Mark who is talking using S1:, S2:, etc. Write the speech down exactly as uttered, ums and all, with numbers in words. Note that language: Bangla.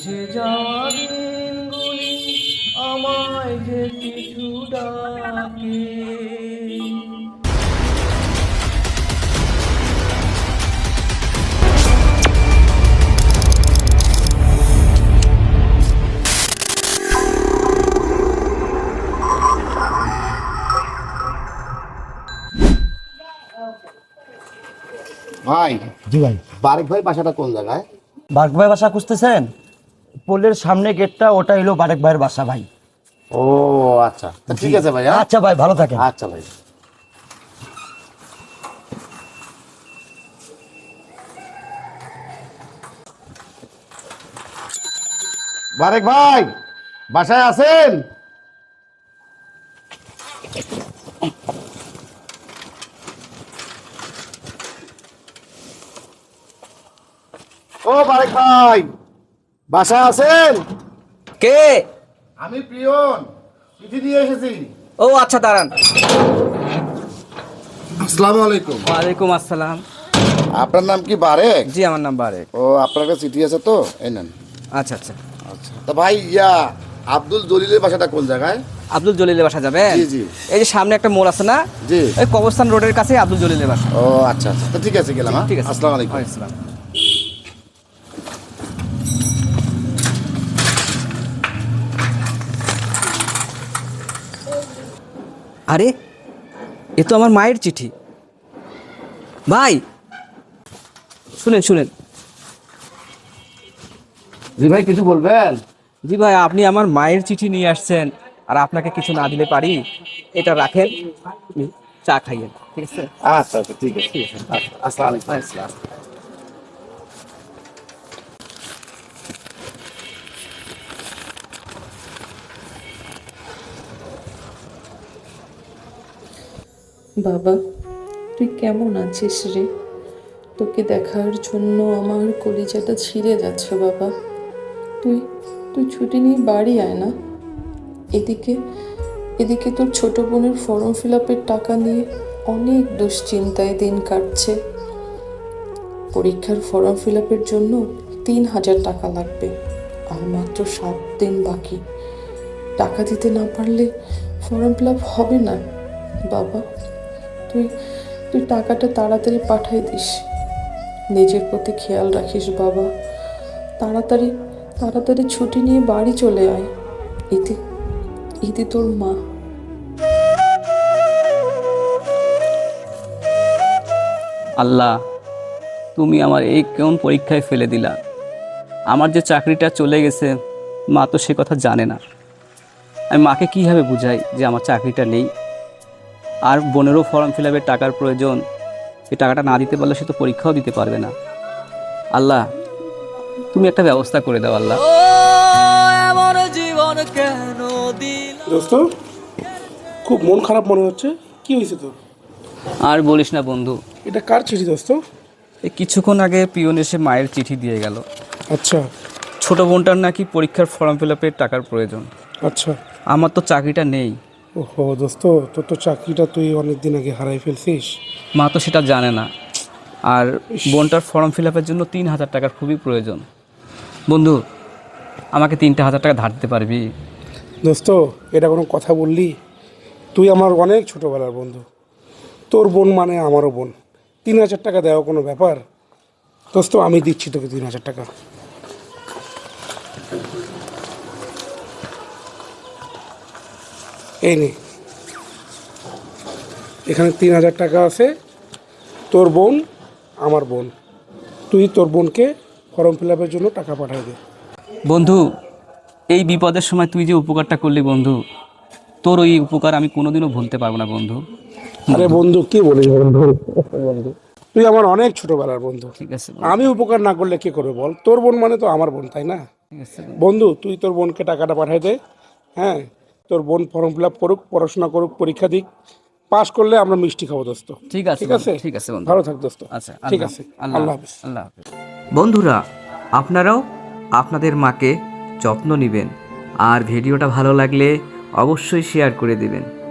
S1: মুছে যাওয়া দিনগুলি আমায় যে কিছু ডাকে।
S2: ভাই,
S3: জি ভাই।
S2: বারেক ভাই বাসাটা কোন জায়গায়?
S3: বারেক ভাই বাসা খুঁজতেছেন? পোলের সামনে গেটটা, ওটা হলো বারেক ভাইয়ের বাসা ভাই।
S2: ও আচ্ছা, তা ঠিক আছে ভাই। হ্যাঁ?
S3: আচ্ছা ভাই, ভালো থাকেন।
S2: আচ্ছা ভাই। বারেক ভাই বাসায় আছেন? ও বারেক ভাই বাসায় আছেন?
S4: কে?
S2: আমি প্রিয়ন, চিঠি দিয়ে এসেছি।
S4: ও আচ্ছা, দাঁড়ান।
S2: আসসালামু আলাইকুম।
S4: ওয়ালাইকুম আসসালাম।
S2: আপনার নাম কি বারেক?
S4: জি, আমার নাম বারেক।
S2: ও, আপনার কাছে চিঠি আছে তো, এই নেন।
S4: আচ্ছা আচ্ছা।
S2: আচ্ছা, তা ভাই ইয়া আব্দুল জলিলের বাসাটা কোন জায়গায়?
S4: আব্দুল জলিলের বাসা যাবেন?
S2: জি জি।
S4: এই যে সামনে একটা মোড় আছে না,
S2: জি।
S4: ওই কবরস্থান রোডের কাছে আব্দুল জলিলের বাসা।
S2: ও আচ্ছা আচ্ছা, তো ঠিক আছে, গেলাম। হ্যাঁ,
S4: ঠিক আছে।
S2: আসসালামু আলাইকুম।
S4: ওয়ালাইকুম আসসালাম। আরে, এ তো আমার মায়ের চিঠি। ভাই শুনেন শুনেন।
S2: জি ভাই, কিছু বলবেন?
S4: জি ভাই, আপনি আমার মায়ের চিঠি নিয়ে আসছেন, আর আপনাকে কিছু না দিলে পারি? এটা রাখেন, আপনি চা খাইয়েন, ঠিক আছে?
S2: আচ্ছা আচ্ছা, ঠিক আছে।
S4: ঠিক আছে।
S2: আচ্ছা, আসসালামু আলাইকুম।
S4: আসসালাম।
S5: বাবা, তুই কেমন আছিস রে? তোকে দেখার জন্য আমার কলিজাটা ছিঁড়ে যাচ্ছে বাবা। তুই তুই ছুটি নিয়ে বাড়ি আয় না। এদিকে এদিকে তোর ছোট বোনের ফর্ম ফিল আপের টাকা নিয়ে অনেক দুশ্চিন্তায় দিন কাটছে। পরীক্ষার ফর্ম ফিল আপের জন্য তিন হাজার টাকা লাগবে, আর মাত্র সাত দিন বাকি। টাকা দিতে না পারলে ফর্ম ফিল আপ হবে না বাবা। তুই তুই টাকাটা তাড়াতাড়ি পাঠাই দিস। নিজের প্রতি খেয়াল রাখিস বাবা। তাড়াতাড়ি তাড়াতাড়ি ছুটি নিয়ে বাড়ি চলে আয়। ইতি ইতি তোর মা।
S4: আল্লাহ, তুমি আমার এই কেমন পরীক্ষায় ফেলে দিলা। আমার যে চাকরিটা চলে গেছে, মা তো সে কথা জানে না। আমি মাকে কীভাবে বুঝাই যে আমার চাকরিটা নেই, আর বোনেরও ফর্ম ফিল আপের টাকার প্রয়োজন। এই টাকাটা না দিতে পারলে সে তো পরীক্ষাও দিতে পারবে না। আল্লাহ, তুমি একটা ব্যবস্থা করে দাও আল্লাহ।
S6: দোস্ত, খুব মন খারাপ মনে হচ্ছে, কি হয়েছে তোর?
S4: আর বলিস না বন্ধু,
S6: এটা কার চিঠি দোস্ত?
S4: এই কিছুক্ষণ আগে পিয়ন এসে মায়ের চিঠি দিয়ে গেল।
S6: আচ্ছা
S4: ছোট বোনটার নাকি পরীক্ষার ফর্ম ফিল আপের টাকার প্রয়োজন।
S6: আচ্ছা।
S4: আমার তো চাকরিটা নেই।
S6: ওহো দোস্ত, তোর তো চাকরিটা তুই অনেক দিন আগে হারাই ফেলছিস।
S4: মা তো সেটা জানে না, আর বোনটার ফর্ম ফিল আপের জন্য তিন হাজার টাকার খুবই প্রয়োজন। বন্ধু, আমাকে তিনটা হাজার টাকা ধার দিতে পারবি?
S6: দোস্ত, এটা কোনো কথা বললি? তুই আমার অনেক ছোটোবেলার বন্ধু, তোর বোন মানে আমারও বোন। তিন হাজার টাকা দেওয়া কোনো ব্যাপার? দোস্ত, আমি দিচ্ছি তোকে তিন হাজার টাকা। এই নে, এখানে তিন হাজার টাকা আছে। তোর বোন আমার বোন, তুই তোর বোনকে ফর্ম ফিল আপের জন্য টাকা পাঠিয়ে দে।
S4: বন্ধু, এই বিপদের সময় তুই যে উপকারটা করলি বন্ধু, তোর ওই উপকার আমি কোনোদিনও ভুলতে পারবো না বন্ধু।
S6: আরে বন্ধু, কি বলিস বন্ধু? বন্ধু, তুই আমার অনেক ছোটবেলার বন্ধু।
S4: ঠিক আছে
S6: আমি উপকার না করলে কে করবে বল? তোর বোন মানে তো আমার বোন, তাই না?
S4: ঠিক আছে
S6: বন্ধু, তুই তোর বোনকে টাকাটা পাঠিয়ে দে। হ্যাঁ, তোর বোন ফর্ম ফিল আপ করুক, পড়াশোনা করুক, পরীক্ষা দিক, পাশ করলে আমরা মিষ্টি খাবো দোস্ত।
S4: ঠিক আছে
S6: ঠিক আছে,
S4: ঠিক আছে বন্ধু।
S6: ভালো থাক দোস্ত।
S4: আচ্ছা,
S6: ঠিক আছে, আল্লাহ হাফিজ।
S4: আল্লাহ হাফিজ।
S7: বন্ধুরা, আপনারাও আপনাদের মাকে যত্ন নেবেন, আর ভিডিওটা ভালো লাগলে অবশ্যই শেয়ার করে দেবেন।